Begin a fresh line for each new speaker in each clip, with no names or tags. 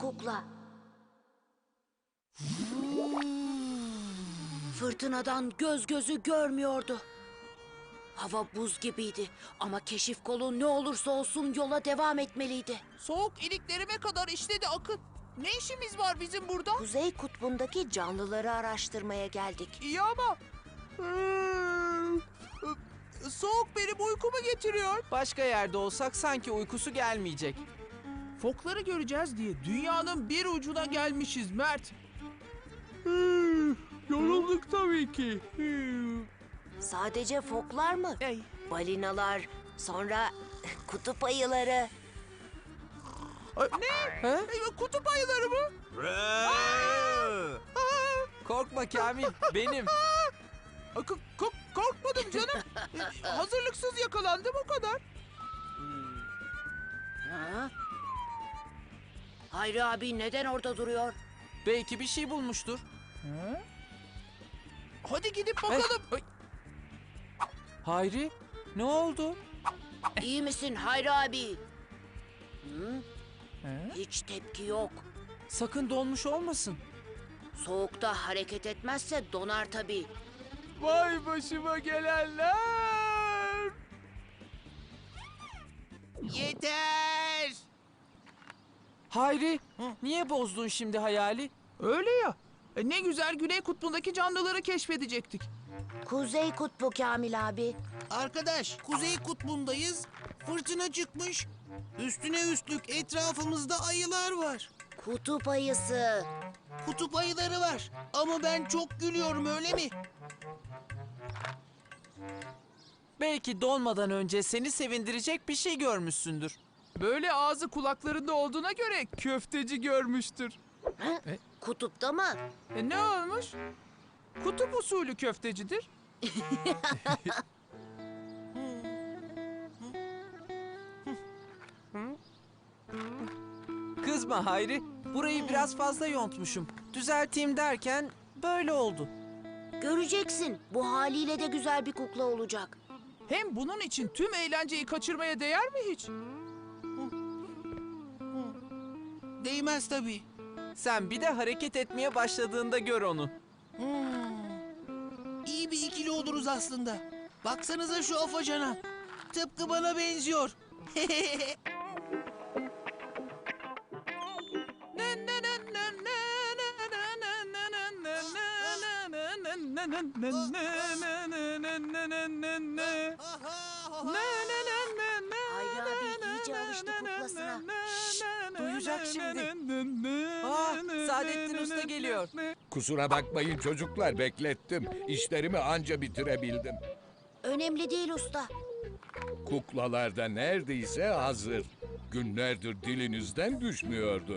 kukla. Fırtınadan göz gözü görmüyordu. Hava buz gibiydi ama keşif kolu ne olursa olsun yola devam etmeliydi.
Soğuk iliklerime kadar işledi Akın. Ne işimiz var bizim burada?
Kuzey kutbundaki canlıları araştırmaya geldik.
İyi ama... Soğuk benim uykumu getiriyor.
Başka yerde olsak sanki uykusu gelmeyecek.
Fokları göreceğiz diye dünyanın bir ucuna gelmişiz Mert. Yorulduk tabii ki.
Sadece foklar mı?
Ey.
Balinalar, sonra kutup ayıları.
Ne?
Ha?
Kutup ayıları mı?
Korkma Kamil, benim.
Korkmadım canım. Hazırlıksız yakalandım o kadar.
Ha? Hayri abi neden orada duruyor?
Belki bir şey bulmuştur.
Hadi gidip bakalım.
Hayri, ne oldu?
İyi misin Hayri abi? Hı? Hiç tepki yok.
Sakın donmuş olmasın.
Soğukta hareket etmezse donar tabii.
Vay başıma gelenler. Yeter.
Hayri, niye bozdun şimdi hayali?
Öyle ya. Ne güzel Güney Kutbu'ndaki canlıları keşfedecektik.
Kuzey kutbu Kamil abi.
Arkadaş, Kuzey Kutbu'ndayız. Fırtına çıkmış. Üstüne üstlük etrafımızda ayılar var.
Kutup ayısı.
Kutup ayıları var. Ama ben çok gülüyorum, öyle mi?
Belki donmadan önce seni sevindirecek bir şey görmüşsündür.
Böyle ağzı kulaklarında olduğuna göre köfteci görmüştür.
Ha? Kutupta mı?
Ne olmuş? Kutup usulü köftecidir.
Kızma Hayri, burayı biraz fazla yontmuşum. Düzelteyim derken böyle oldu.
Göreceksin. Bu haliyle de güzel bir kukla olacak.
Hem bunun için tüm eğlenceyi kaçırmaya değer mi hiç?
Değmez tabii.
Sen bir de hareket etmeye başladığında gör onu.
İyi bir ikili oluruz aslında. Baksanıza şu afacana. Tıpkı bana benziyor.
Hayri abi iyice alıştı kuklasına.
Duyacak şimdi. Saadettin Usta geliyor.
Kusura bakmayın çocuklar, beklettim. İşlerimi anca bitirebildim.
Önemli değil usta.
Kuklalar da neredeyse hazır. Günlerdir dilinizden düşmüyordu.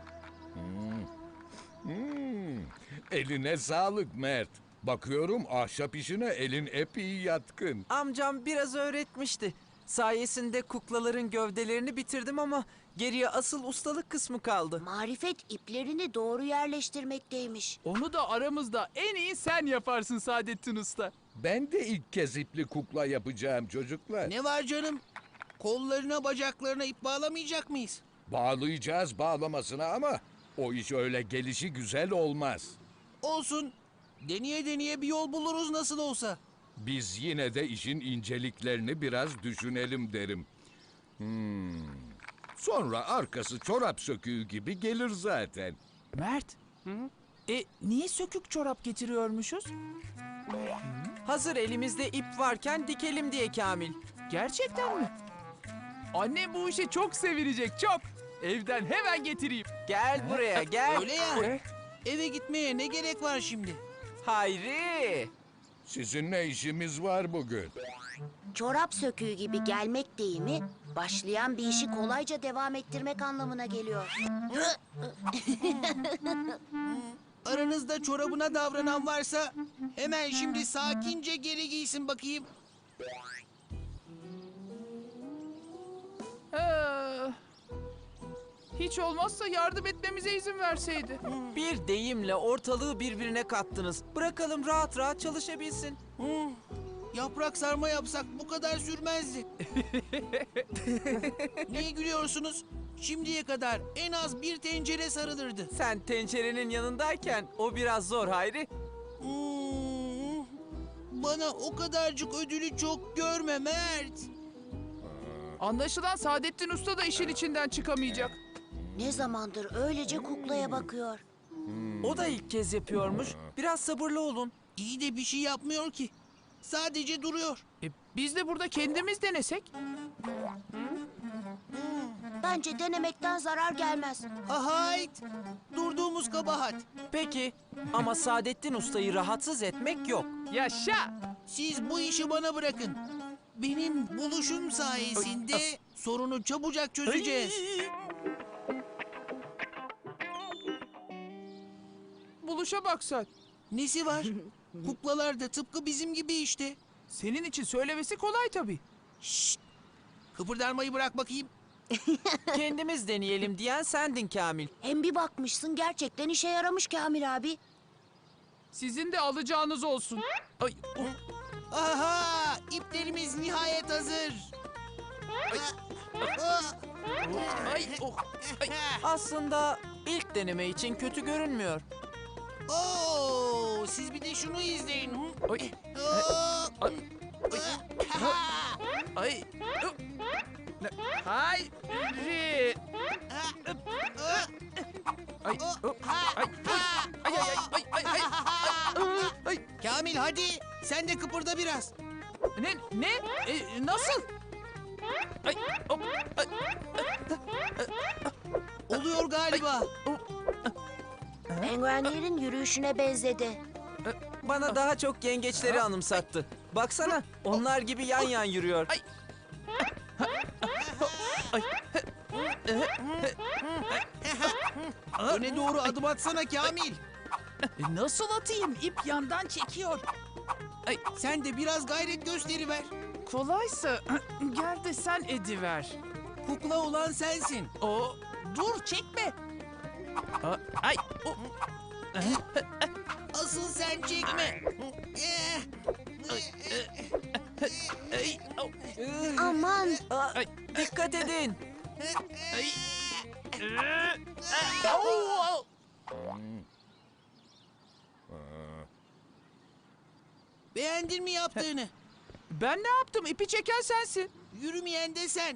Eline sağlık Mert. Bakıyorum ahşap işine elin epey yatkın.
Amcam biraz öğretmişti. Sayesinde kuklaların gövdelerini bitirdim ama geriye asıl ustalık kısmı kaldı.
Marifet iplerini doğru yerleştirmekteymiş.
Onu da aramızda en iyi sen yaparsın Saadettin Usta.
Ben de ilk kez ipli kukla yapacağım çocuklar.
Ne var canım? Kollarına, bacaklarına ip bağlamayacak mıyız?
Bağlayacağız bağlamasına ama o iş öyle gelişi güzel olmaz.
Olsun. Deneye deneye bir yol buluruz nasıl olsa.
Biz yine de işin inceliklerini biraz düşünelim derim. Sonra arkası çorap söküğü gibi gelir zaten.
Mert. Niye sökük çorap getiriyormuşuz?
Hazır elimizde ip varken dikelim diye Kamil.
Gerçekten mi? Annem bu işi çok sevinecek, çok. Evden hemen getireyim.
Gel buraya gel.
Öyle ya. Eve gitmeye ne gerek var şimdi?
Hayri.
Sizinle işimiz var bugün.
Çorap söküğü gibi gelmek deyimi başlayan bir işi kolayca devam ettirmek anlamına geliyor.
Aranızda çorabına davranan varsa hemen şimdi sakince geri giysin bakayım.
Hiç olmazsa yardım etmemize izin verseydi.
Bir deyimle ortalığı birbirine kattınız. Bırakalım rahat rahat çalışabilsin.
Yaprak sarma yapsak bu kadar sürmezdi. Niye gülüyorsunuz? Şimdiye kadar en az bir tencere sarılırdı.
Sen tencerenin yanındayken o biraz zor Hayri.
Hmm, bana o kadarcık ödülü çok görme Mert.
Anlaşılan Saadettin Usta da işin içinden çıkamayacak.
Ne zamandır öylece kuklaya bakıyor.
O da ilk kez yapıyormuş. Biraz sabırlı olun.
İyi de bir şey yapmıyor ki. Sadece duruyor.
Biz de burada kendimiz denesek.
Bence denemekten zarar gelmez.
Hayt! Durduğumuz kabahat.
Peki ama Saadettin Usta'yı rahatsız etmek yok.
Yaşa!
Siz bu işi bana bırakın. Benim buluşum sayesinde sorunu çabucak çözeceğiz.
Buluşa bak sen.
Nesi var? Kuklalar da tıpkı bizim gibi işte.
Senin için söylemesi kolay tabii.
Kıpırdarmayı bırak bakayım.
Kendimiz deneyelim diyen sendin Kamil.
Hem bir bakmışsın gerçekten işe yaramış Kamil abi.
Sizin de alacağınız olsun. Ay,
Aha! İplerimiz nihayet hazır.
ay, oh, ay.
Aslında ilk deneme için kötü görünmüyor.
Oo, siz bir de şunu izleyin.
Ay,
Oo.
ay. Hayri. Ay, oh, ay, ay, ay, ay, ay, ay, ay.
Kamil hadi sen de kıpırda biraz.
Ne? Nasıl? Ay, hop, ay,
Oluyor galiba.
Penguenlerin yürüyüşüne benzedi.
Bana daha çok yengeçleri anımsattı. Baksana onlar gibi yan yan yürüyor.
Ay.
Öne doğru adım atsana Kamil.
Nasıl atayım? İp yandan çekiyor.
Sen de biraz gayret gösteriver.
Kolaysa gel de sen ediver.
Kukla olan sensin.
O dur çekme. Ay. O,
Asıl sen çekme.
ay, o,
Aman.
Aa, dikkat edin.
ay. Au.
Beğendin mi yaptığını?
Ben ne yaptım? İpi çeken sensin.
Yürümeyen de sen.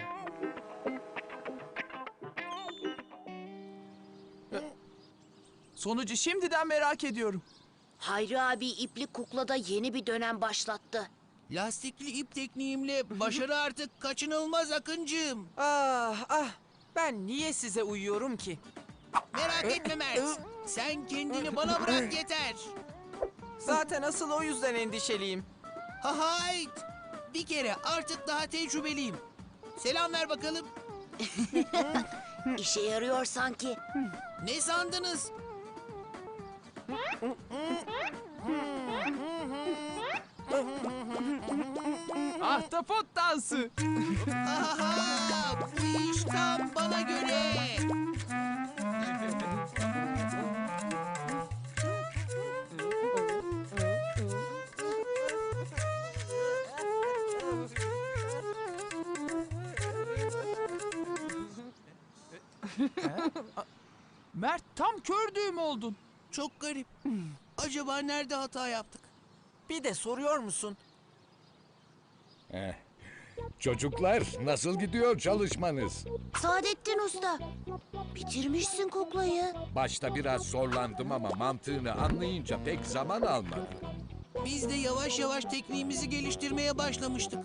Sonucu şimdiden merak ediyorum.
Hayri abi ipli kuklada yeni bir dönem başlattı.
Lastikli ip tekniğimle başarı artık kaçınılmaz Akıncığım.
Ah, ben niye size uyuyorum ki?
Merak etme Mert. Sen kendini bana bırak yeter.
Zaten asıl o yüzden endişeliyim.
Hayt. Bir kere artık daha tecrübeliyim. Selam ver bakalım.
İşe yarıyor sanki.
Ne sandınız?
Ahtapot dansı.
Aha, bu iş tam bana göre.
Mert tam kör düğüm oldun.
Çok garip. Acaba nerede hata yaptık?
Bir de soruyor musun?
Eh. Çocuklar nasıl gidiyor çalışmanız?
Saadettin Usta. Bitirmişsin kuklayı.
Başta biraz zorlandım ama mantığını anlayınca pek zaman almadı.
Biz de yavaş yavaş tekniğimizi geliştirmeye başlamıştık.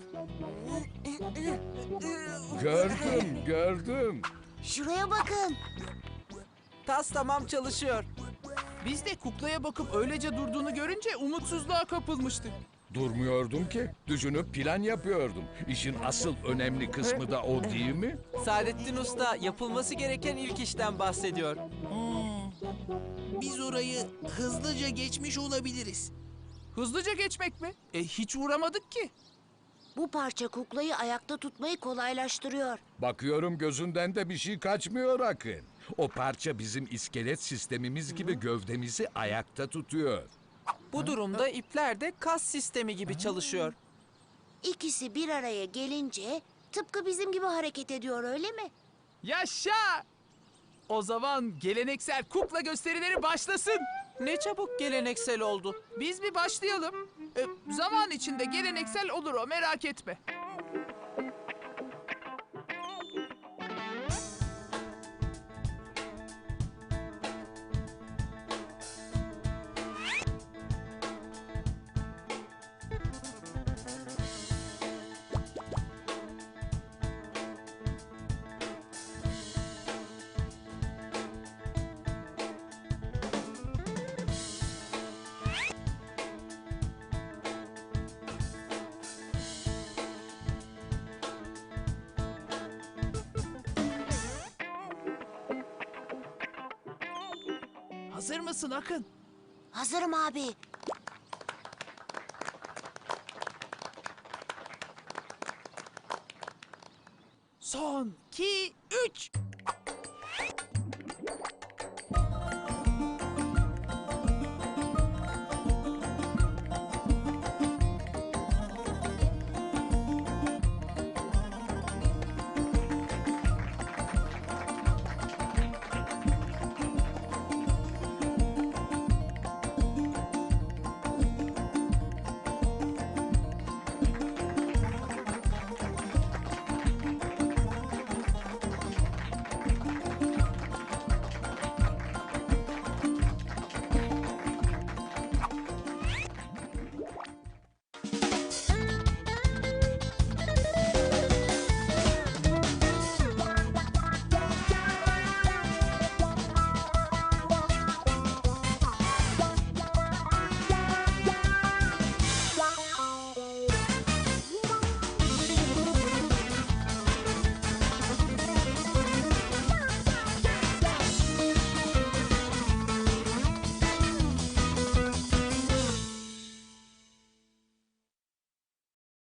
Gördüm.
Şuraya bakın.
Tas tamam çalışıyor.
Biz de kuklaya bakıp öylece durduğunu görünce umutsuzluğa kapılmıştık.
Durmuyordum ki. Düşünüp plan yapıyordum. İşin asıl önemli kısmı da o değil mi?
Saadettin Usta yapılması gereken ilk işten bahsediyor.
Biz orayı hızlıca geçmiş olabiliriz.
Hızlıca geçmek mi? Hiç uğramadık ki.
Bu parça kuklayı ayakta tutmayı kolaylaştırıyor.
Bakıyorum gözünden de bir şey kaçmıyor Akın. O parça bizim iskelet sistemimiz gibi gövdemizi ayakta tutuyor.
Bu durumda ipler de kas sistemi gibi çalışıyor.
İkisi bir araya gelince tıpkı bizim gibi hareket ediyor öyle mi?
Yaşa! O zaman geleneksel kukla gösterileri başlasın.
Ne çabuk geleneksel oldu.
Biz bir başlayalım. Zaman içinde geleneksel olur o, merak etme. Hazır mısın Akın?
Hazırım abi.
Son, 2, 3.